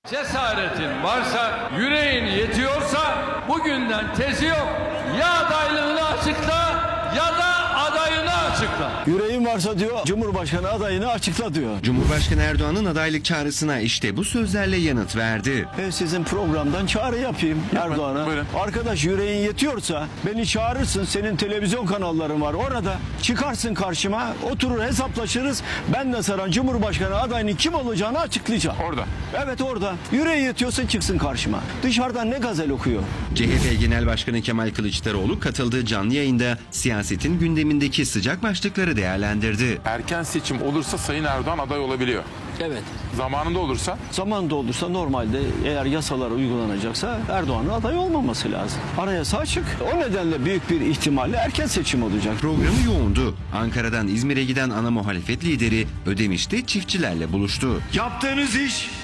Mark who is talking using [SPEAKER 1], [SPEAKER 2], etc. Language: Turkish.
[SPEAKER 1] Cesaretin varsa, yüreğin yetiyorsa bugünden tezi yok. Ya adaylığını açıkla ya da adayını açıkla.
[SPEAKER 2] Yüreğin varsa diyor Cumhurbaşkanı adayını açıkla diyor.
[SPEAKER 3] Cumhurbaşkanı Erdoğan'ın adaylık çağrısına işte bu sözlerle yanıt verdi.
[SPEAKER 2] Sizin programdan çağrı yapayım Erdoğan'a.
[SPEAKER 4] Buyurun.
[SPEAKER 2] Arkadaş yüreğin yetiyorsa beni çağırırsın, senin televizyon kanalların var orada. Çıkarsın karşıma, oturur hesaplaşırız. Ben de sana Cumhurbaşkanı adayının kim olacağını açıklayacağım.
[SPEAKER 4] Orada.
[SPEAKER 2] Evet orada. Yüreği yetiyorsa çıksın karşıma. Dışarıdan ne gazel okuyor.
[SPEAKER 3] CHP Genel Başkanı Kemal Kılıçdaroğlu katıldığı canlı yayında siyasetin gündemindeki sıcak başlıkları değerlendirdi.
[SPEAKER 4] Erken seçim olursa Sayın Erdoğan aday olabiliyor.
[SPEAKER 2] Evet.
[SPEAKER 4] Zamanında olursa
[SPEAKER 2] Zamanında olursa normalde eğer yasalar uygulanacaksa Erdoğan'ın aday olmaması lazım. Anayasa açık. O nedenle büyük bir ihtimalle erken seçim olacak.
[SPEAKER 3] Programı yoğundu. Ankara'dan İzmir'e giden ana muhalefet lideri Ödemiş'te çiftçilerle buluştu.
[SPEAKER 2] Yaptığınız iş